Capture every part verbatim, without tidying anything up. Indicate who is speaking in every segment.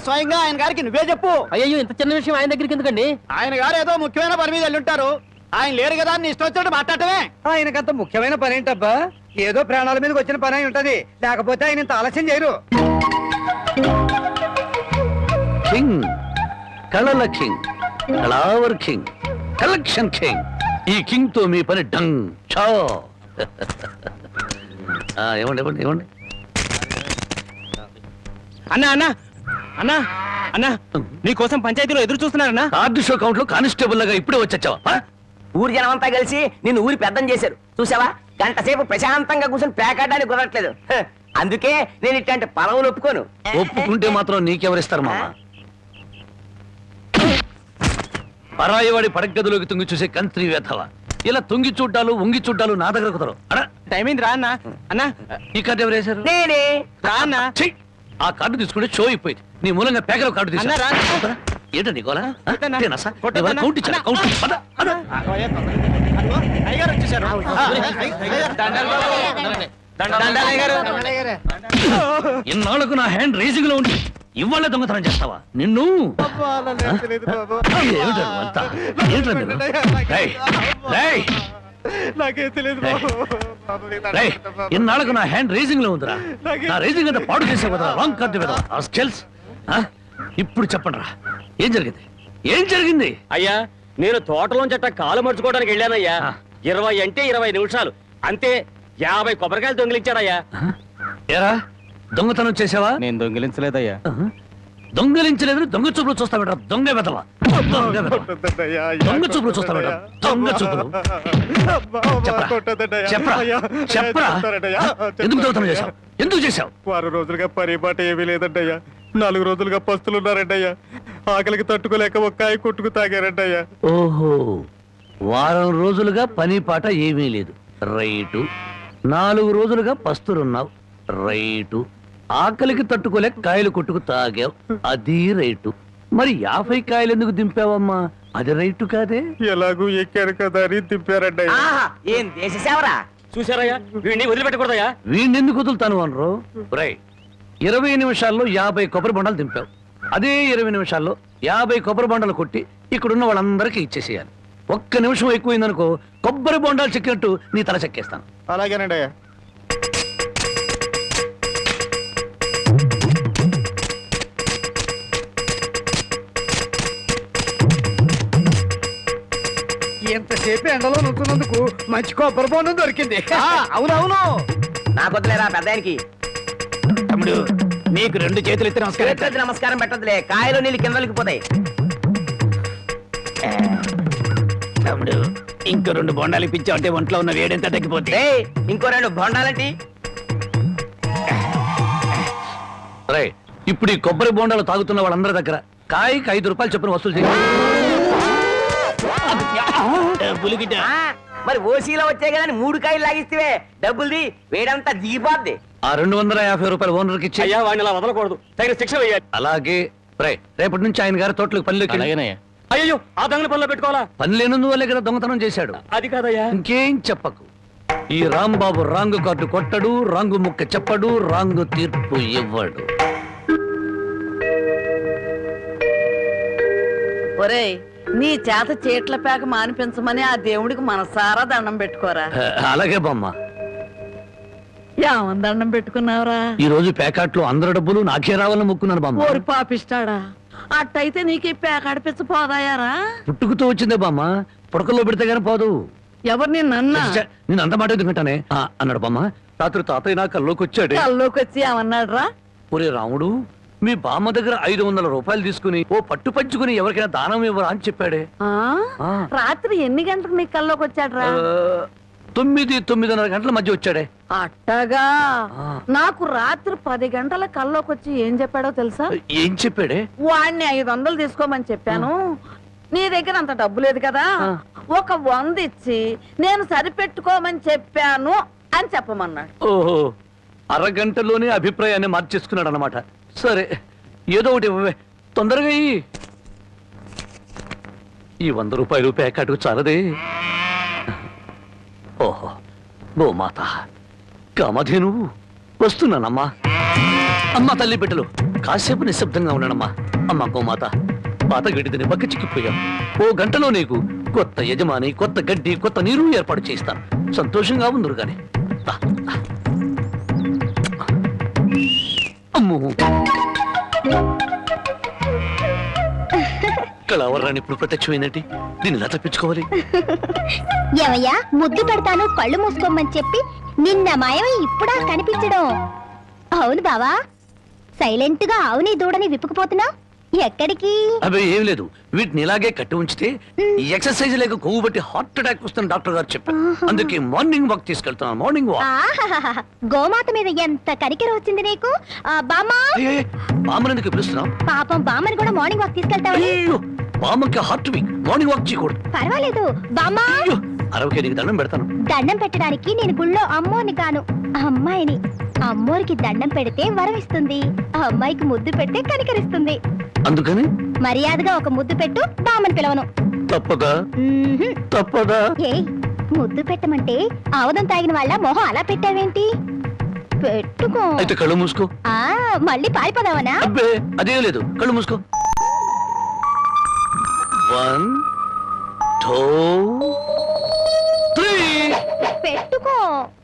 Speaker 1: స్వయంగా ఆయన గారికి నువ్వే చెప్పు.
Speaker 2: అయ్యో ఇంత చిన్న విషయం ఆయన దగ్గరికి ఎందుకండి?
Speaker 1: ఆయన గారు ఏదో ముఖ్యమైన పని మీద వెళ్ళుంటారు. ఆయన లేరు కదా అని ఇష్టం వచ్చినట్టు మాట్లాడటమే.
Speaker 3: ఆయనకంత ముఖ్యమైన పని ఏంటబ్బా? ఏదో ప్రాణాల మీదకి వచ్చిన పని అయి ఉంటది, లేకపోతే ఆయన ఇంత ఆలస్యం చేయరు.
Speaker 4: కింగ్, కళల కింగ్, కళావర్ కింగ్, కలెక్షన్ కింగ్. ఈ కింగ్ తో మీ పని డంగ్ చో. ఇవ్వండి ఇవ్వండి ఇవ్వండి.
Speaker 2: అన్నా అన్నా అన్నా అన్నా నీకోసం పంచాయతీలో ఎదురు చూస్తున్నారన్నా.
Speaker 4: కార్డు షో కౌంట్ లో కానిస్టేబుల్ లాగా ఇప్పుడే వచ్చావా?
Speaker 5: ఊరి జనం అంతా కలిసి నిన్ను ఊరి పెద్దం చేశారు చూసావా? గంట సేపు ప్రశాంతంగా కూర్చొని పేకాడడానికి కుదరట్లేదు. అందుకే నేను ఇట్లాంటి పొలవులు ఒప్పుకోను.
Speaker 4: ఒప్పుకుంటే మాత్రం నీకెవరిస్తారు మామ? పరాయివాడి పడగదిలోకి తుంగి చూసే కంత్రి వేధవ. ఇలా తుంగి చూడ్డాలు ఉంగి చూడ్డాలు నా దగ్గర కుదరవు.
Speaker 2: టైం అయింది రా అన్నా. అన్నా
Speaker 4: ఈ కార్డు ఎవరు వేశారు?
Speaker 5: నేనే.
Speaker 2: రా అన్నా.
Speaker 4: ఆ కార్డు తీసుకుంటే షో అయిపోయింది. నీ మూలంగా పేకల కార్డు తీసుకురా. ఏంటో నీకోలా కౌంట్ ఇచ్చా కౌంట్.
Speaker 1: అయ్యగారు వచ్చేసారు.
Speaker 4: ఇన్నాళ్లకు నా హ్యాండ్ రేసింగ్ లో ఉండి ఇవాళ దొంగతనం చేస్తావా? నిన్ను ఇన్నాళ్లకు నా హ్యాండ్ రేసింగ్ లో ఉందిరా. నా రేసింగ్ అంతా పాడు చేసే కదా రాంగ్ కార్డు కదా. ఇప్పుడు చెప్పండి రా, ఏం జరిగింది? ఏం జరిగింది?
Speaker 2: అయ్యా నేను తోటలోంచట కాలు మర్చుకోవడానికి వెళ్ళానయ్యా. ఇరవై అంటే ఇరవై నిమిషాలు అంతే. యాభై కొబ్బరికాయలు దొంగిలించాడయ్యా.
Speaker 4: ఏరా దొంగతనం చేసావా?
Speaker 2: నేను దొంగిలించలేదయ్యా.
Speaker 4: దొంగలించలేదు. దొంగ చూపులు చూస్తా బెటర్. దొంగ వెదవా. దొంగ చూపులు చూస్తా బెటర్. దొంగ చూపులు. చెప్పరా చెప్పరా ఎందుకు దొంగతనం చేశావు? ఎందుకు చేశావు?
Speaker 1: వారం రోజులుగా పరిపాట ఏమీ లేదంటయ్యా. నాలుగు రోజులుగా పస్తులున్నారంటయ్యా. ఆకలికి తట్టుకోలేక ఒక్కాయ కొట్టుకు తాగారంటయ్యా.
Speaker 4: ఓహో, వారం రోజులుగా పని పాట ఏమీ లేదు. రైటు. నాలుగు రోజులుగా పస్తులున్నావు. రైటు. ఆకలికి తట్టుకోలేక కాయలు కొట్టుకు తాగావు. అది రైటు. మరి యాభై కాయలు ఎందుకు దింపావమ్మా? అది రైటు కాదే.
Speaker 1: ఎలాగూ ఎక్కారు కదా అని దింపారంటయ్యా.
Speaker 5: ఏం దేశ సేవరా?
Speaker 2: చూసారయ్యా, వీడిని వదిలిపెట్టకూడదయ్యా.
Speaker 4: వీడిని ఎందుకు వదులుతాను అనరు? రై ఇరవై నిమిషాల్లో యాభై కొబ్బరి బొండాలు దింపావు. అదే ఇరవై నిమిషాల్లో యాభై కొబ్బరి బొండాలు కొట్టి ఇక్కడున్న వాళ్ళందరికీ ఇచ్చేసేయాలి. ఒక్క నిమిషం ఎక్కువైందనుకో కొబ్బరి బొండాలు చెక్కినట్టు నీ తల చెక్కేస్తాను.
Speaker 1: అలాగేనండి అయ్యా.
Speaker 3: ఎంతసేపు ఎండలో నుంచున్నందుకు మంచి కొబ్బరి బొండం దొరికింది.
Speaker 1: అవునవును.
Speaker 5: నాకు వద్దులేరా పెద్దానికి.
Speaker 1: తమ్ముడు నీకు రెండు చేతులు ఎత్తి నమస్కారం.
Speaker 5: నమస్కారం పెట్టదులే, కాయలు నీళ్ళు కిందలకి పోతాయి.
Speaker 1: తమ్ముడు ఇంకో రెండు బొండాలు ఇప్పించావంటే ఒంట్లో ఉన్న వేడెంత తగ్గిపోతే.
Speaker 5: ఇంకో రెండు బొండాలంటి.
Speaker 4: రై ఇప్పుడు ఈ కొబ్బరి బొండాలు తాగుతున్న వాళ్ళందరి దగ్గర కాయకి ఐదు రూపాయలు చొప్పున వసూలు చేయాలి.
Speaker 5: మరి ఓసీలో వచ్చే కదా మూడు కాయలు లాగిస్తే డబ్బుల్ది వేడంతా దిగిపోద్ది.
Speaker 4: ఆ రెండు వందల యాభై రూపాయలు ఓనర్కి ఇచ్చి.
Speaker 2: అయ్యా వాడిని అలా వదలకూడదు, తగిన శిక్ష వేయాలి.
Speaker 4: అలాగే రై రేపటి నుంచి ఆయన గారి తోటలకు పనిలోకి.
Speaker 2: అయ్యో ఆ దొంగల పనిలో పెట్టుకోవాలా?
Speaker 4: పని లేనందు వల్లే కదా దొంగతనం చేశాడు.
Speaker 2: అది కాదయ్యా.
Speaker 4: ఇంకేం చెప్పకు. ఈ రాంబాబు రాంగు కార్డు కొట్టడు, రాంగు ముక్క చెప్పడు, రాంగు తీర్పు ఇవ్వడు.
Speaker 6: ఒరేయ్, నీ చేత చీట్ల పేక మానిపించమని ఆ దేవుడికి మనసారా దండం పెట్టుకోరా.
Speaker 4: అలాగే బామ్మ.
Speaker 6: ఏమని దండం పెట్టుకున్నావురా?
Speaker 4: ఈ రోజు ప్యాకెట్లో అందరి డబ్బులు నాకే రావాలని మొక్కున్నాను బామ్మ.
Speaker 6: ఓరి పాపిస్తాడా, అట్టయితే నీకు ఈ పేక అడిపించ పోదాయారా?
Speaker 4: పుట్టుకుతో వచ్చిందే బామ్మ, పుడకల్లో పెడితే గానీ పోదు.
Speaker 6: ఎవరు నిన్న
Speaker 4: నేను అంత మాట ఎందుకంటానే అన్నాడు బామ్మ. రాత్రి తాతయ్య నా కల్లోకి వచ్చాడు.
Speaker 6: కల్లోకి వచ్చి ఏమన్నాడు రా?
Speaker 4: ఒరే రాముడు, మీ బామ్మ దగ్గర ఐదు వందల రూపాయలు తీసుకుని ఓ పట్టు పంచుకుని ఎవరికైనా దానం ఇవ్వరా అని చెప్పాడే.
Speaker 6: రాత్రి ఎన్ని గంటలకు నీ కల్లోకి వచ్చాడు రా?
Speaker 4: తొమ్మిది తొమ్మిదిన్నర గంటల మధ్య వచ్చాడే.
Speaker 6: అట్టగా నాకు రాత్రి పది గంటల కల్లోకి వచ్చి ఏం చెప్పాడో తెలుసా?
Speaker 4: ఏం చెప్పాడే?
Speaker 6: వాడిని ఐదు వందలు తీసుకోమని చెప్పాను. నీ దగ్గర అంత డబ్బు లేదు కదా, ఒక వంద ఇచ్చి నేను సరిపెట్టుకోమని చెప్పాను అని చెప్పమన్నాడు.
Speaker 4: ఓహో, అరగంటలోనే అభిప్రాయాన్ని మార్చేసుకున్నాడు అన్నమాట. సరే ఏదో ఒకటి ఇవ్వవే, తొందరగా ఈ వంద రూపాయలు ప్యాకెట్కు చాలదే. ఓహో, గోమాత కామధేను వస్తున్నానమ్మా. అమ్మ తల్లి బిడ్డలు కాసేపు నిశ్శబ్దంగా ఉన్నానమ్మా. అమ్మా గోమాత, పాత గడ్డిదని బక్క చిక్కిపోయాం. ఓ గంటలో నీకు కొత్త యజమాని, కొత్త గడ్డి, కొత్త నీరు ఏర్పాటు చేస్తాను. సంతోషంగా ఉందరు గాని. దా, దా. అమ్మో, కళావరాన్ని ఇప్పుడు ప్రత్యక్షమైందంటే దీన్ని ఎలా తప్పించుకోవాలి?
Speaker 7: ఏమయ్యా, ముద్దు పెడతాను కళ్ళు మూసుకోమని చెప్పి నిన్న మాయమై ఇప్పుడా కనిపించడం? అవును బావా, సైలెంట్ గా ఆవుని దూడని విప్పుకుపోతున్నావు ఎక్కడికి?
Speaker 4: అబ్బాయి ఏం లేదు, వీటిని ఇలాగే కట్టి ఉంచితే ఈ ఎక్సర్సైజ్ లేక కొవ్వు బట్టి హార్ట్ అటాక్ వస్తుంది డాక్టర్ గారు చెప్పారు. అందుకే మార్నింగ్ వాక్ తీసుకెళ్తున్నాను. Morning walk.
Speaker 7: ఆహాహాహా, గోమాత మీద ఎంత కనికెర వచ్చింది నీకు. ఆ, బామ్మా,
Speaker 4: బామ్మని ఎందుకు పిలుస్తున్నావు?
Speaker 7: పాపం బామ్మని కూడా మార్నింగ్ వాక్ తీసుకెళ్తావని.
Speaker 4: అయ్యో, బామ్మకి హార్ట్ వీక్, మార్నింగ్ వాక్ చేయకూడదు.
Speaker 7: పర్వాలేదు బామ్మా,
Speaker 4: అయ్యో, అరవకే నీకు దండం పెడతాను.
Speaker 7: దండం పెట్టడానికి నేను గుళ్ళో అమ్మోని కాను, అమ్మాయిని. అమ్మోరికి దండం పెడితే వరం ఇస్తుంది, ఆ అమ్మాయికి ముద్దు పెడితే కనికరిస్తుంది.
Speaker 4: అందుకని
Speaker 7: మర్యాదగా ఒక ముద్దు పెట్టు, బామ్మని పిలవను.
Speaker 4: తప్పదా?
Speaker 7: మ్మ్హ్మ్.
Speaker 4: తప్పదా?
Speaker 7: ఏయ్, ముద్దు పెట్టమంటే ఆవదం తాగిన వాళ్ళ మొహం అలా పెట్టావేంటి? పెట్టుకో.
Speaker 4: అయితే కళ్ళు మూసుకో.
Speaker 7: ఆ, మళ్ళీ పారిపోదావనా?
Speaker 4: అబ్బే అదే లేదు, కళ్ళు మూసుకో. One two three.
Speaker 7: పెట్టుకో.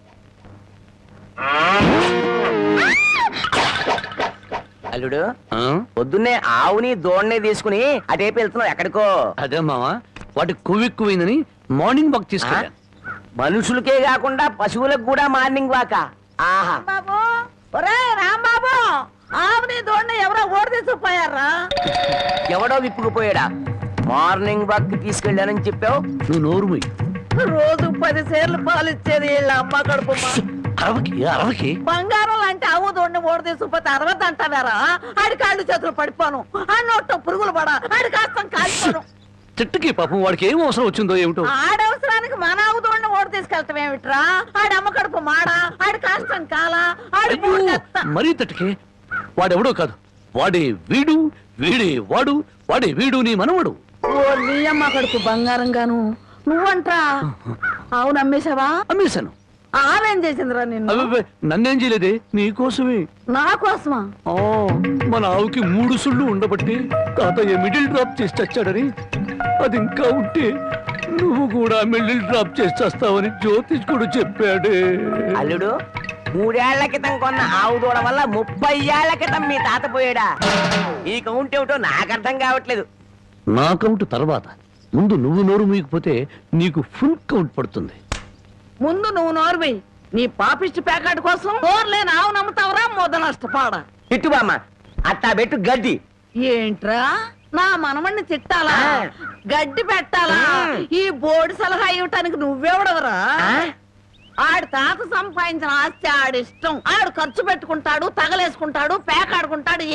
Speaker 5: అల్లుడు,
Speaker 4: ఆ?
Speaker 5: పొద్దున్నే ఆవుని దోణ్ణి తీసుకుని అటేపు వెళ్తున్నావు ఎక్కడికో?
Speaker 4: అదే మావా, వాటి కొవ్వెక్కువైందని మార్నింగ్ వాక్ తీసుకెళ్ళాను.
Speaker 5: మనుషులకే కాకుండా పశువులకు కూడా మార్నింగ్ వాక. ఆహా,
Speaker 6: బాబు, ఒరే రాంబాబు, ఆవుని దోడిని ఎవరో ఓడి తీసుకుపోయారా?
Speaker 5: ఎవడో విప్పుకుపోయాడా? మార్నింగ్ వాక్ తీసుకెళ్ళానని చెప్పావు.
Speaker 4: నువ్వు నోరు మూయి.
Speaker 6: రోజు పది సేర్లు పాలు ఇచ్చేది వీళ్ళ అమ్మ కడుపు
Speaker 4: అరవకి అరవకి
Speaker 6: బంగారం లాంటి ఆవు దోడిని ఓడి తీసుకుపోతే అరవద్దు అంటావారా? ఆడి కాళ్ళు చేతులు పడిపోను, ఆ నోట్లో పురుగులు పడ, ఆడి కాస్తం కాలిపోను.
Speaker 4: చెట్టుకి పాపం వాడికి ఏం అవసరం వచ్చిందో ఏమిటో.
Speaker 6: ఆడవసరానికి మన ఆవు దోడిని ఓడి తీసుకెళ్తాం ఏమిట్రా? ఆడి అమ్మ కడుపు మాడ, ఆడి కాస్తం కాల, ఆడి
Speaker 4: అయ్యో,
Speaker 6: మూడెత్త.
Speaker 4: మరీ తట్టుకే. వాడెవడో కాదు, వాడే వీడు, వీడే వాడు, వాడే వీడు నీ మనవడు.
Speaker 6: ఓ నీ అమ్మ కడుపు బంగారం గాను నువ్వంట్రా? ఆవు నమ్మేశావా?
Speaker 4: అమ్మేశాను.
Speaker 6: ఆవేం చేసిందిరా నిన్ను?
Speaker 4: అబ్బే, నన్నేం చేయలేదే, నీకోసమే.
Speaker 6: నా కోసమా?
Speaker 4: ఆ, మన ఆవుకి మూడు సుళ్ళు ఉండబట్టి తాతయ్య మిడిల్ డ్రాప్ చేసి చచ్చాడని, అది ఇంకా ఉంటే నువ్వు కూడా మిడిల్ డ్రాప్ చేసి చేస్తావని జ్యోతిష్కుడు చెప్పాడే.
Speaker 5: అల్లుడు, మూడేళ్ల క్రితం కొన్న ఆవు దూడ వల్ల ముప్పై ఏళ్ల క్రితం మీ తాత పోయాడా? ఈ కౌంట్ ఏమిటో నాకు అర్థం కావట్లేదు.
Speaker 4: నా కౌంట్ తర్వాత, ముందు నువ్వు నోరు మూయకపోతే నీకు ఫుల్ కౌంట్ పడుతుంది.
Speaker 6: ముందు నువ్వు నోర్వి. నీ పాపిష్టి ప్యాకెట్ కోసం నోర్లేని ఆవు నమ్ముతావరా? మొద నష్టపాడ.
Speaker 5: ఇట్టు బామ్మ, అట్టా పెట్టు గడ్డి.
Speaker 6: ఏంట్రా, నా మనమణ్ణి తిట్టాలా?
Speaker 5: ఆ.
Speaker 6: గడ్డి పెట్టాలా? ఈ బోర్డు సలహా ఇవ్వటానికి నువ్వెవడవరా?
Speaker 5: ఆ?
Speaker 6: ఆడి తాత సంపాదించిన ఆస్తి ఆడిష్టం. ఆడు ఖర్చు పెట్టుకుంటాడు, తగలేసుకుంటాడు, పేకాడుకుంటాడు.